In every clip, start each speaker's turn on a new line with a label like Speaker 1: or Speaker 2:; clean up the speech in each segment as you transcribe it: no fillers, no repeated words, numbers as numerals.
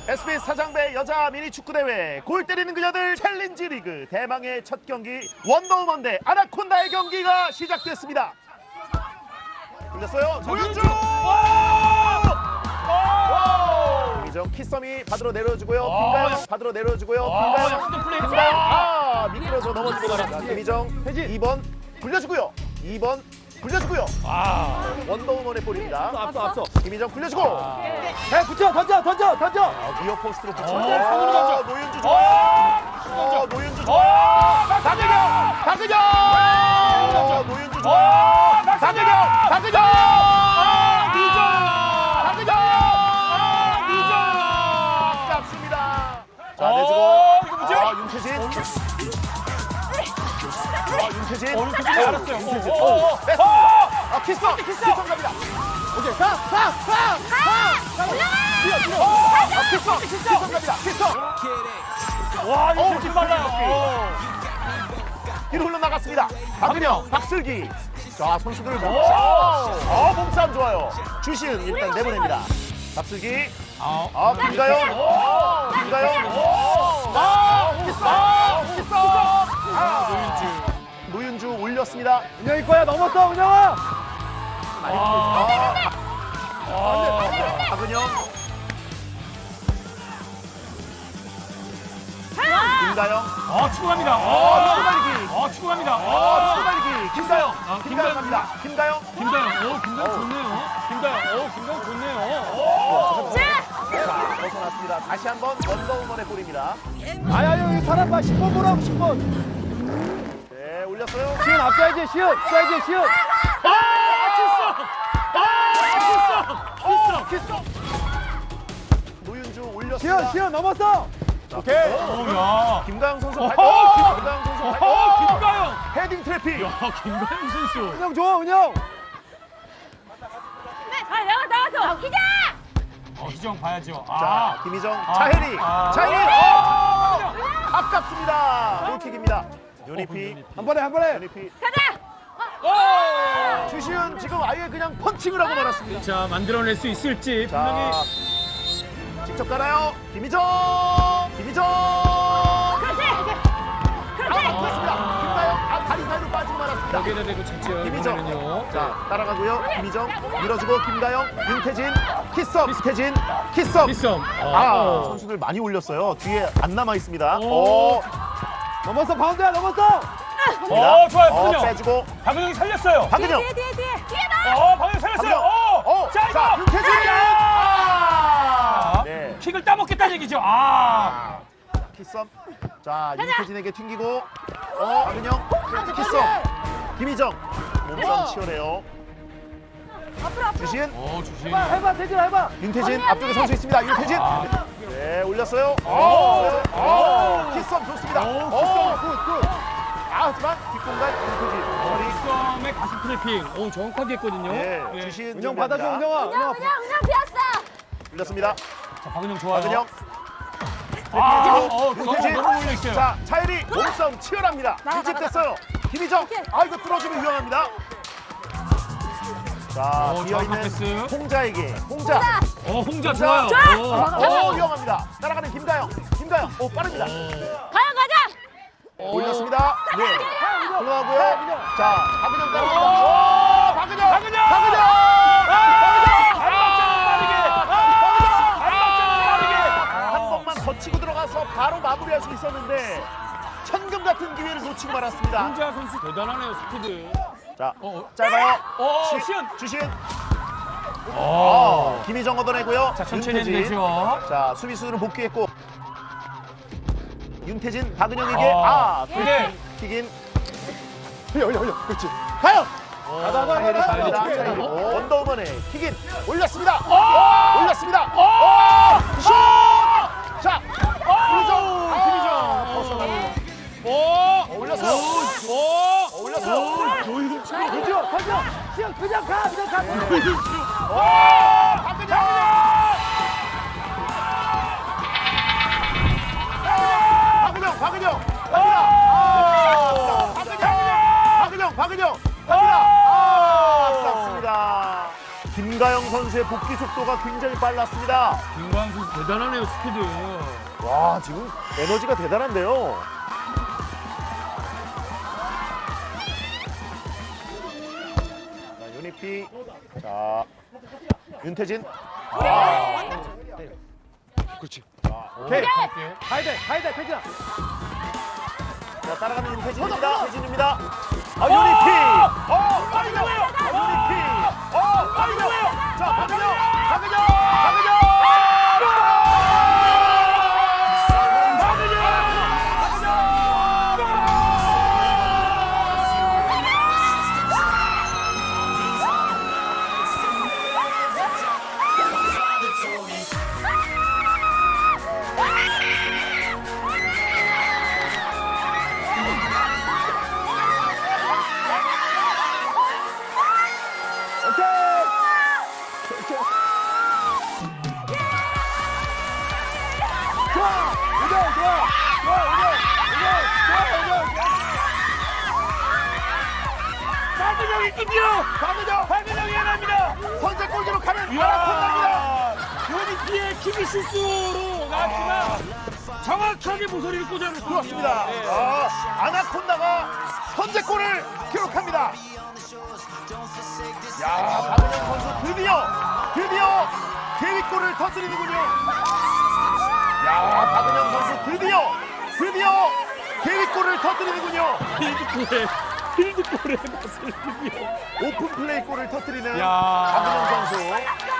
Speaker 1: SBS 사장배 여자 미니 축구 대회 골 때리는 그녀들 챌린지 리그 대망의 첫 경기 원더우먼 대 아나콘다의 경기가 시작됐습니다. 돌렸어요. 노윤주. 김희정 키썸이 받으러 내려주고요. 김가영 받으러 내려주고요. 김가영 미끄러져 넘어지고 말았다. 김희정 2번 굴려주고요. 2번 굴려주고요. 원더우먼의 볼입니다.
Speaker 2: 앞서.
Speaker 1: 김희정 굴려주고.
Speaker 2: 야, 붙여, 던져.
Speaker 1: 위어 포스트로 붙여.
Speaker 2: 상으로 던져.
Speaker 1: 노윤주 좋아요. 노윤주 좋아요. 박은영. 노윤주 좋아요. 박은영. 아깝습니다. 자, 내주고.
Speaker 2: 이거 뭐지?
Speaker 1: 윤태진. 윤태진.
Speaker 2: 알았어요.
Speaker 1: 윤태진.
Speaker 2: 오.
Speaker 1: 뺐습니다. 키썸 갑니다.
Speaker 2: 오케이,
Speaker 1: 키썸 갑니다. 키썸.
Speaker 2: 와, 이거 진짜 빨라요.
Speaker 1: 뒤로 흘러나갔습니다. 박은영, 박슬기. 자, 선수들 몸싸움 좋아요. 주시은 일단 내보냅니다. 박슬기. 김가영. 노윤주 올렸습니다.
Speaker 2: 은영이 거야, 넘었어, 은영아.
Speaker 1: 박은영. 김가영.
Speaker 2: 축구합니다. 축구합니다.
Speaker 1: 수발기. 김가영 갑니다. 김가영.
Speaker 2: 김다영 좋네요.
Speaker 1: 자, 벗어났습니다. 다시 한번 원더우먼의 볼입니다.
Speaker 2: 아야, 여기 사람 봐. 10번 보라고, 10번.
Speaker 1: 네, 올렸어요.
Speaker 2: 시은 앞서야지, 시은.
Speaker 1: 노윤주 올렸습니다.
Speaker 2: 시은 넘었어.
Speaker 1: 오케이.
Speaker 2: 야.
Speaker 1: 김가영 선수 발. 김가영 선수 발.
Speaker 2: 김가영.
Speaker 1: 헤딩 트래핑.
Speaker 2: 김가영 선수.
Speaker 3: 은영 좋아, 은영.
Speaker 4: 나가서 기자!
Speaker 2: 희정 봐야죠.
Speaker 1: 자, 김희정,
Speaker 2: 아.
Speaker 1: 차혜리.
Speaker 2: 아.
Speaker 1: 차혜리. 아깝습니다. 골킥입니다. 유니피.
Speaker 3: 한 번에.
Speaker 1: 유니피.
Speaker 4: 가자!
Speaker 1: 주시은 지금 아예 그냥 펀칭을 하고 말았습니다.
Speaker 2: 자, 만들어낼 수 있을지
Speaker 1: 자,
Speaker 2: 분명히.
Speaker 1: 직접 가나요? 김희정.
Speaker 4: 그렇지!
Speaker 1: 그렇습니다. 김가영 다리 사이로 빠지고 말았습니다.
Speaker 2: 여기에다 대고 찼죠.
Speaker 1: 김희정.
Speaker 2: 이번에는요.
Speaker 1: 자, 따라가고요. 김희정 밀어주고 김가영, 윤태진, 키썸, 키썸. 선수들 많이 올렸어요. 뒤에 안 남아 있습니다.
Speaker 3: 넘었어, 바운드야, 넘었어.
Speaker 2: 좋아요, 박은영.
Speaker 1: 빼주고
Speaker 2: 박은영이 살렸어요.
Speaker 1: 박은영.
Speaker 4: 뒤에!
Speaker 2: 박은영 살렸어요.
Speaker 1: 자, 윤태진. 네.
Speaker 2: 킥을 따먹겠다는 얘기죠.
Speaker 1: 키썸. 자, 윤태진에게 튕기고 박은영, 키썸. 김희정. 몸싸움 치열해요.
Speaker 4: 앞으로!
Speaker 1: 주신.
Speaker 2: 주신.
Speaker 3: 해봐, 태진아, 해봐.
Speaker 1: 윤태진 앞쪽에 선수 있습니다. 윤태진. 네, 올렸어요. 키썸 좋습니다. 굿. 하지만 뒷공간 윤태진.
Speaker 2: 썸의 가슴 트래핑. 정확하게 했거든요.
Speaker 1: 네,
Speaker 2: 예.
Speaker 1: 주신
Speaker 3: 은영 받아줘, 은영아.
Speaker 4: 은영 비었어!
Speaker 1: 올렸습니다.
Speaker 2: 자, 박은영 좋아요.
Speaker 1: 박은영.
Speaker 2: 윤태진. 너무 몰려있어요.
Speaker 1: 자, 차혜리 몸싸움 치열합니다. 밀집됐어요. 김희정. 이거 뚫어주면 위험합니다. 자,
Speaker 2: 정확한 패스.
Speaker 1: 비어있는 홍자에게. 홍자.
Speaker 2: 홍자 좋아요.
Speaker 1: 위험합니다. 따라가는 김가영. 빠릅니다.
Speaker 4: 가자!
Speaker 1: 올렸습니다. 네. 올라가고요. 자, 박은영 따라갑니다. 박은영. 한 번만 더 치고 들어가서 바로 마무리할 수 있었는데 천금 같은 기회를 놓치고 말았습니다.
Speaker 2: 홍자 선수 대단하네요, 스피드.
Speaker 1: 자, 짧아요. 주신. 김희정 얻어내고요.
Speaker 2: 자, 천천히 해도
Speaker 1: 윤태진.
Speaker 2: 되죠.
Speaker 1: 자, 수비수들은 복귀했고 윤태진, 박은영에게
Speaker 2: 네.
Speaker 1: 킥인.
Speaker 3: 흘려. 그렇지.
Speaker 1: 가요.
Speaker 3: 가자.
Speaker 1: 원더우먼의 킥인 올렸습니다. 슛! 자, 김희정. 올렸어요.
Speaker 3: 던져. 시영, 그냥 가.
Speaker 1: 박은영. 박은영. 갑니다. 아깝습니다. 김가영 선수. 선수의 복귀 속도가 굉장히 빨랐습니다.
Speaker 2: 김광수 대단하네요, 스피드.
Speaker 1: 와, 지금 에너지가 대단한데요. 자, 유니피. 자, 윤태진.
Speaker 3: 그렇지.
Speaker 1: 오케이.
Speaker 3: 가야 돼, 태진아.
Speaker 1: 자, 따라가는 윤태진입니다. 태진입니다. 유니피. 빨리 나와요. 유니피. 빨리 나와요. 자, 박은영. 박은영이 해냅니다. 선제골 기록하는 아나콘다입니다.
Speaker 2: 유니피의 키비 실수로 나왔지만 정확하게 모서리를 꽂아놓습니다.
Speaker 1: 그렇습니다. 아나콘다가 선제골을 기록합니다. 야, 박은영 선수 드디어 데뷔골을 터뜨리는군요. 야, 박은영 선수 드디어 데뷔골을 터뜨리는군요.
Speaker 2: 필드골의 맛을 드디어.
Speaker 1: 오픈 플레이 골을 터뜨리는
Speaker 2: 야.
Speaker 1: 박은영 선수.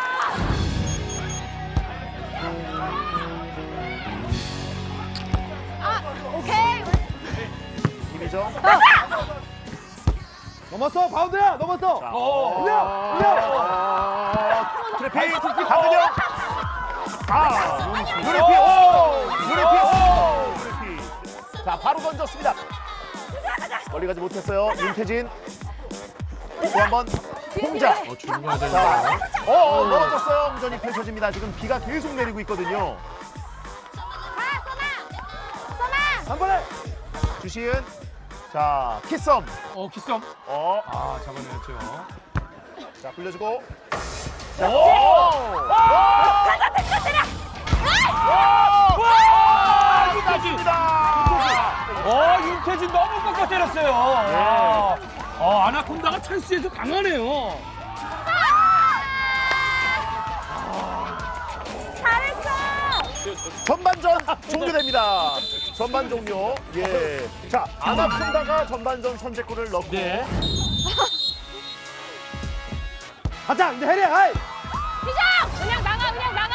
Speaker 4: 오케이.
Speaker 1: 김희정.
Speaker 3: 넘었어, 바운드야, 넘었어. 올려.
Speaker 1: 트래핑 박은영. 유리피. 자, 바로 던졌습니다. 멀리 가지 못했어요. 윤태진. 또 한 번 홍자. 자, 넘어졌어요. 홍전이 펼쳐집니다. 지금 비가 계속 내리고 있거든요.
Speaker 3: 한 번에.
Speaker 1: 주시은. 자, 키썸.
Speaker 2: 키썸. 잡아내었죠.
Speaker 1: 자, 굴려주고. 자,
Speaker 2: 윤태진 너무 꺾어 때렸어요. 아나콘다가 찬스에서 강하네요.
Speaker 4: 잘했어.
Speaker 1: 전반전 종료됩니다. 전반 종료. 예. 자, 아나콘다가 전반전 선제골을 넣고.
Speaker 2: 네.
Speaker 3: 가자, 이제 해리, 하이.
Speaker 4: 희정! 그냥 나가.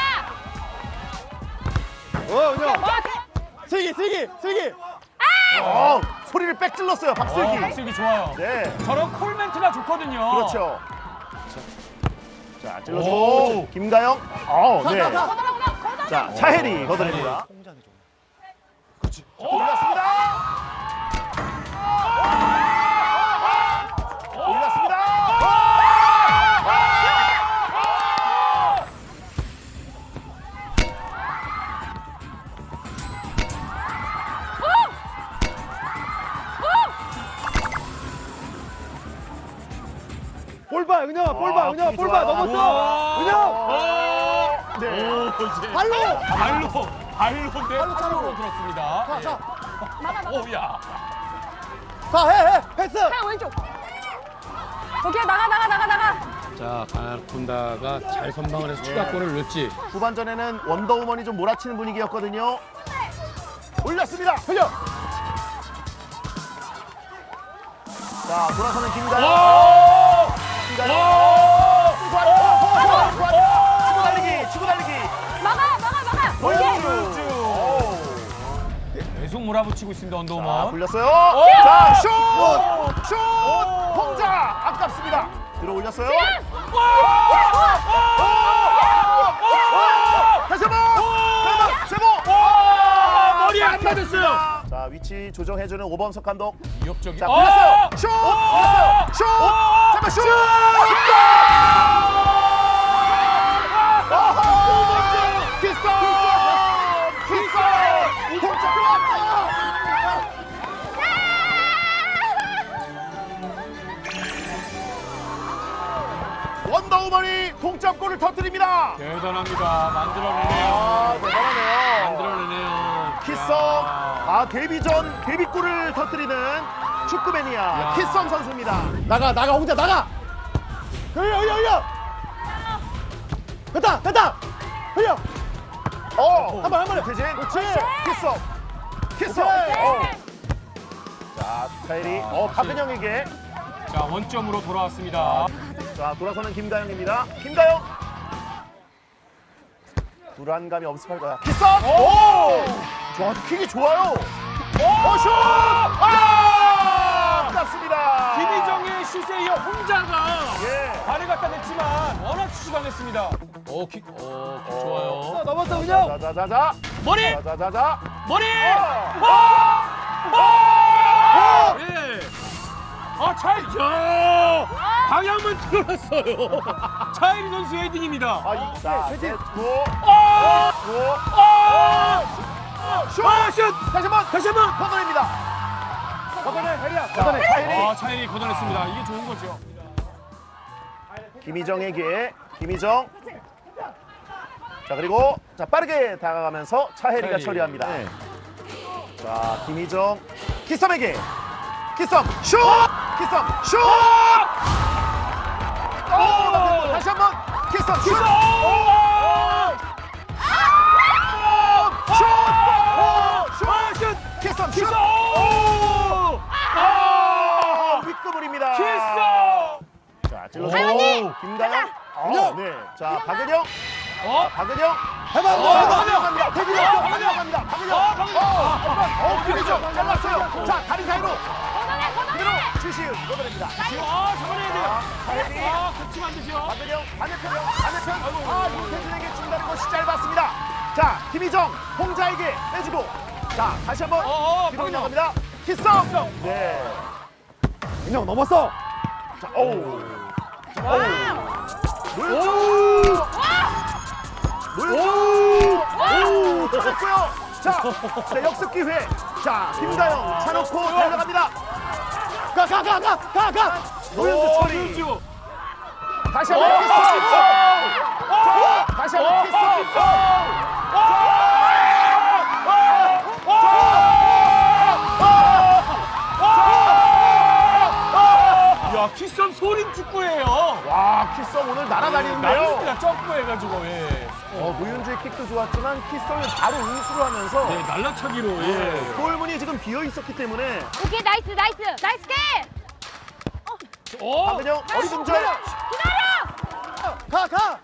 Speaker 3: 은영. 슬기.
Speaker 1: 소리를 빽 질렀어요, 박슬기.
Speaker 2: 박슬기 좋아요.
Speaker 1: 네.
Speaker 2: 저런 콜 멘트가 좋거든요.
Speaker 1: 그렇죠. 자, 찔러주고 김가영. 네. 자, 차혜리 걷어냅니다. 그렇지. 올렸습니다.
Speaker 3: 볼 봐, 은영아, 볼 봐, 넘었어. 은영.
Speaker 1: 네.
Speaker 2: 발로 내 팔로 들었습니다.
Speaker 3: 자.
Speaker 2: 오야.
Speaker 3: 자, 해. 패스.
Speaker 4: 그냥 왼쪽. 오케이, 나가.
Speaker 2: 자, 아나콘다가 잘 선방을 해서 추가골을 넣었지.
Speaker 1: 후반전에는 원더우먼이 좀 몰아치는 분위기였거든요. 올렸습니다. 흘려. 자, 돌아서는 김가영. 치고 달리기.
Speaker 4: 막아.
Speaker 2: 계속 몰아붙이고 있습니다,
Speaker 1: 자,
Speaker 2: 언더우먼.
Speaker 1: 굴렸어요. 자, 슛! 홍자 아깝습니다. 들어 올렸어요. 다시 한번. 세모.
Speaker 2: 머리에 안 맞았어요.
Speaker 1: 자, 위치 조정해주는 오범석 감독.
Speaker 2: 위협적인.
Speaker 1: 자, 굴렸어요. 슛! 잠깐 슛! 키스! 홍자 들어왔다! 원더우먼 차우만이 동점골을 터뜨립니다.
Speaker 2: 대단합니다. 만들어내네요.
Speaker 1: 대단하네요.
Speaker 2: 만들어내네요.
Speaker 1: 키썸,
Speaker 2: 야.
Speaker 1: 데뷔전 데뷔골을 터뜨리는 축구 매니아
Speaker 2: 야.
Speaker 1: 키썸 선수입니다.
Speaker 3: 나가 혼자 나가. 흘려. 됐다. 흘려. 한 번.
Speaker 1: 태진,
Speaker 3: 그렇지.
Speaker 1: 키썸. 자, 차일이, 박은영에게.
Speaker 2: 자, 원점으로 돌아왔습니다.
Speaker 1: 자, 돌아서는 김다영입니다. 김다영. 불안감이 엄습할 거야. 키썸. 자, 킥이 좋아요. 슛! 땄습니다.
Speaker 2: 김희정의 슛에 이어 홍자가
Speaker 1: 예.
Speaker 2: 발을 갖다 냈지만 워낙 슛이 강했습니다. 킥 좋아요.
Speaker 3: 넘었어 은영.
Speaker 1: 자자자자.
Speaker 2: 머리!
Speaker 1: 자자자자.
Speaker 2: 머리!
Speaker 1: 어!
Speaker 2: 예. 차일이! 방향만 틀어놨어요. 차일이 선수 헤딩입니다.
Speaker 1: 자,
Speaker 3: 태진.
Speaker 1: 슛! 다시 한번 걷어냅니다.
Speaker 3: 걷어내 혜리야.
Speaker 1: 자, 차일이.
Speaker 2: 차일이 걷어냈습니다. 이게 좋은 거죠.
Speaker 1: 김희정에게 김희정. 자, 그리고 자 빠르게 다가가면서 차혜리가
Speaker 2: 차혜리.
Speaker 1: 처리합니다. 자, 김희정 키썸에게 키썸 슛! 슛! 다시 한번 키썸 슛! 슛! 키썸 슛! 윗구물입니다. 자, 찔러서 김다영. 네. 자, 박은영. 박은영.
Speaker 3: 해봐.
Speaker 1: 박은영. 김희정 잘랐어요. 자, 다리 사이로. 그대로 주시은 걷어냅니다.
Speaker 2: 잡아내야 돼요.
Speaker 1: 차혜리.
Speaker 2: 그치면 안 되죠.
Speaker 1: 박은영 반대편. 윤태준에게 준다는 것이 짧았습니다. 자, 김희정 홍자에게 빼주고. 자, 다시 한번 뒤로
Speaker 2: 박은영.
Speaker 1: 나갑니다. 키썸. 네.
Speaker 3: 은영 넘었어.
Speaker 1: 자, 노윤주 쳤고요. 자, 역습 기회. 자, 김다영 차놓고 달려갑니다.
Speaker 3: 가.
Speaker 1: 노윤주 처리.
Speaker 2: 노윤주.
Speaker 1: 다시 한번 키썸. 다시 한번 키썸.
Speaker 2: 야, 키썸 소림 축구예요.
Speaker 1: 와, 키썸 오늘 날아다니는데요.
Speaker 2: 날립니다. 점프해가지고. 예.
Speaker 1: 노윤주의 킥도 좋았지만 키썸이 바로 인수를 하면서
Speaker 2: 네, 날라차기로. 예.
Speaker 1: 골문이 지금 비어 있었기 때문에
Speaker 4: 오케이, 나이스 게!
Speaker 1: 박은영 어리둥절.
Speaker 3: 가.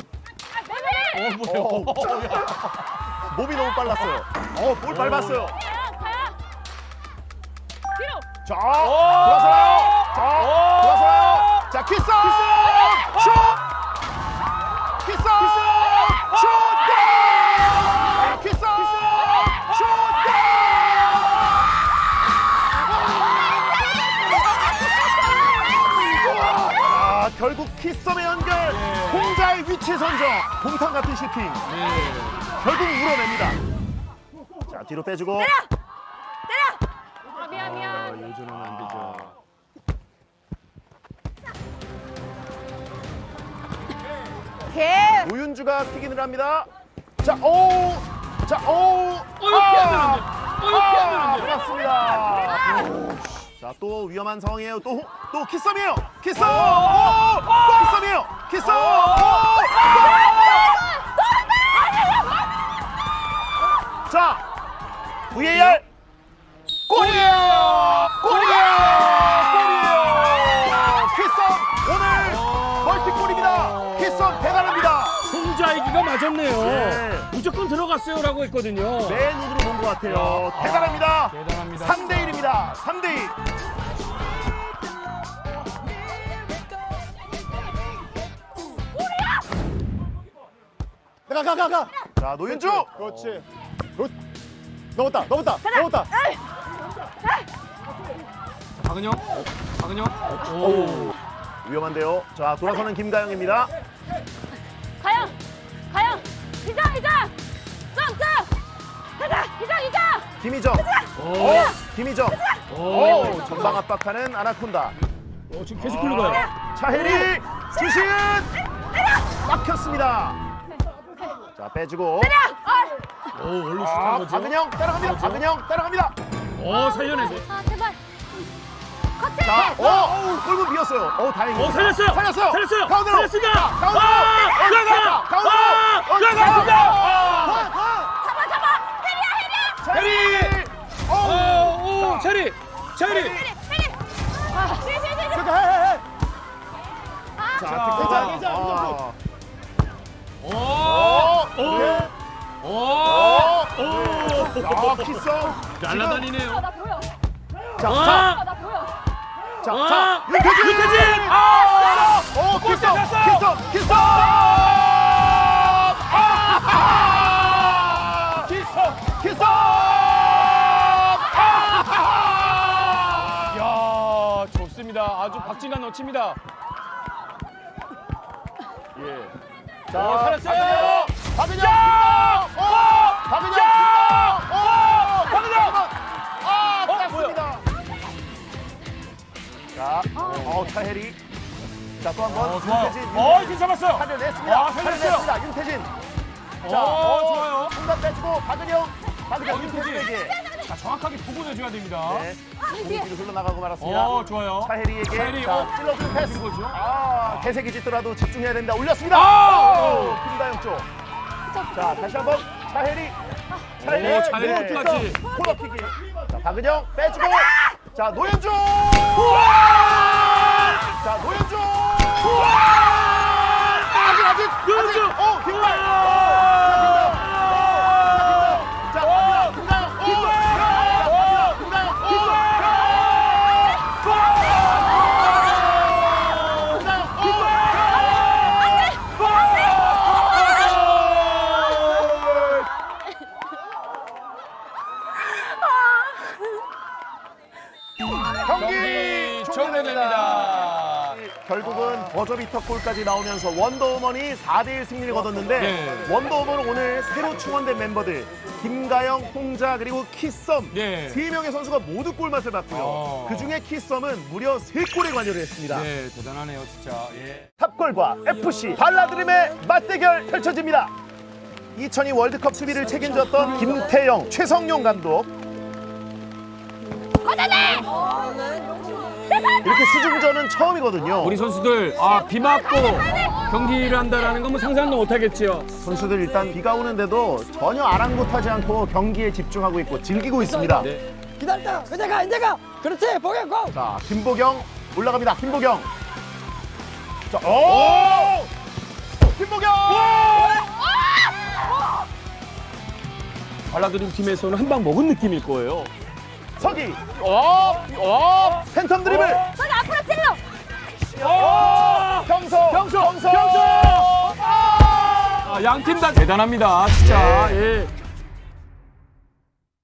Speaker 2: 뭐예요?
Speaker 1: 몸이 너무 빨랐어요. 볼 밟았어요.
Speaker 4: 가야! 뒤로!
Speaker 1: 자, 돌아서요. 자, 키썸! 슛! 키썸! 슛! 키썸! 슛! 결국 키썸의 연결. 홍자의 위치 선정. 공탕 같은 슈팅. 결국 물어냅니다. 자, 뒤로 빼주고.
Speaker 4: 미안.
Speaker 2: 요즘은 안 되죠.
Speaker 4: 오케이.
Speaker 1: 노윤주가 튀기를 합니다. 자,
Speaker 2: 이렇게 하면 안 돼. 이렇게 하면 안 돼.
Speaker 1: 맞습니다. 자, 또 위험한 상황이에요. 또 키썸이에요. 키썸! 키썸이에요. 키썸! 자, VAR 골이에요. 키썸 오늘 멀티골입니다. 키썸 대단합니다.
Speaker 2: 홍자이기가 맞았네요.
Speaker 1: 네.
Speaker 2: 무조건 들어갔어요라고 했거든요.
Speaker 1: 내 눈으로 본 것 같아요. 대단합니다.
Speaker 2: 대단합니다.
Speaker 1: 3대1입니다. 3대2.
Speaker 3: 가.
Speaker 1: 자, 노윤주.
Speaker 3: 그렇지. 넘었다.
Speaker 2: 박은영. 오.
Speaker 1: 위험한데요. 자, 돌아서는 김가영입니다.
Speaker 4: 가영! 이장! 썸! 가자! 이장!
Speaker 1: 김희정.
Speaker 2: 오.
Speaker 1: 김희정.
Speaker 2: 오.
Speaker 1: 전방 압박하는 아나콘다.
Speaker 2: 지금 계속 흘러가요.
Speaker 1: 차혜리. 주시은. 막혔습니다. 자, 빼주고.
Speaker 2: 오, 원래
Speaker 1: 아,
Speaker 2: 슛한 거죠.
Speaker 1: 박은영 따라갑니다.
Speaker 2: 그렇죠.
Speaker 1: 박은영 따라갑니다.
Speaker 2: 살려내서.
Speaker 4: 아, 제발.
Speaker 1: 자, 골문 비었어요. 다행입니다.
Speaker 2: 살렸어요.
Speaker 1: 살렸어요.
Speaker 2: 살렸어요.
Speaker 1: 가운데로.
Speaker 2: 살렸습니다.
Speaker 1: 가운데로.
Speaker 2: 들어가.
Speaker 1: 가운데로.
Speaker 2: 들어갔습니다.
Speaker 4: 잡아.
Speaker 1: 해리.
Speaker 2: 오, 체리.
Speaker 3: 그렇게 해.
Speaker 1: 자,
Speaker 2: 자,
Speaker 1: 득점. 키썸.
Speaker 2: 날라다니네요.
Speaker 4: 나 보여.
Speaker 1: 자,
Speaker 4: 나 보여.
Speaker 1: 자, 윤태진. 키썸.
Speaker 2: 야, 좋습니다. 아주 박진감 넘칩니다.
Speaker 1: 자,
Speaker 2: 살았어요.
Speaker 1: 박은영. 땄습니다. 자, 차혜리. 자, 또 한 번.
Speaker 2: 좋아요.
Speaker 1: 윤태진.
Speaker 2: 이제 잡았어요.
Speaker 1: 살려냈습니다.
Speaker 2: 살렸어요.
Speaker 1: 윤태진. 자,
Speaker 2: 좋아요.
Speaker 1: 공간 빼주고 박은영 윤태진에게.
Speaker 2: 자, 정확하게 보고 내줘야 됩니다.
Speaker 1: 네. 공이 뒤로 흘러나가고 말았습니다.
Speaker 2: 좋아요.
Speaker 1: 차혜리에게
Speaker 2: 차혜리,
Speaker 1: 자, 찔러주는 패스.
Speaker 2: 거죠?
Speaker 1: 개색이 짙더라도 집중해야 됩니다. 올렸습니다. 김다영 쪽. 자, 다시 한번 차혜리.
Speaker 2: 차혜리 끝까지.
Speaker 1: 코너킥이. 자, 박은영 빼주고. 자, 노현주. 자, 노현주. 아직.
Speaker 2: 노현주.
Speaker 1: 뒷발. 자, 김다영. 경기 종료됩니다. 결국은 버저비터 골까지 나오면서 원더우먼이 4대1 승리를 거뒀는데
Speaker 2: 네.
Speaker 1: 원더우먼은 오늘 새로 충원된 멤버들 김가영, 홍자 그리고 키썸
Speaker 2: 네.
Speaker 1: 3명의 선수가 모두 골맛을 봤고요. 그중에 키썸은 무려 3골에 관여를 했습니다.
Speaker 2: 네, 대단하네요, 진짜. 예.
Speaker 1: 탑골과 FC 발라드림의 맞대결 펼쳐집니다. 2002 월드컵 수비를 책임졌던 김태영, 최성용 감독. 이렇게 수중전은 처음이거든요.
Speaker 2: 우리 선수들 비 맞고 경기를 한다라는 건 뭐 상상도 못하겠지요.
Speaker 1: 선수들 일단 비가 오는데도 전혀 아랑곳하지 않고 경기에 집중하고 있고 즐기고 있습니다.
Speaker 2: 네.
Speaker 5: 기다렸다. 이제 가. 그렇지. 보경 고.
Speaker 1: 자, 김보경 올라갑니다. 김보경. 자, 김보경.
Speaker 2: 발라드림 팀에서는 한 방 먹은 느낌일 거예요.
Speaker 1: 서기. 팬텀 드리블.
Speaker 4: 저기 앞으로 찔러.
Speaker 1: 경서.
Speaker 2: 양팀 다 대단합니다, 진짜. 예.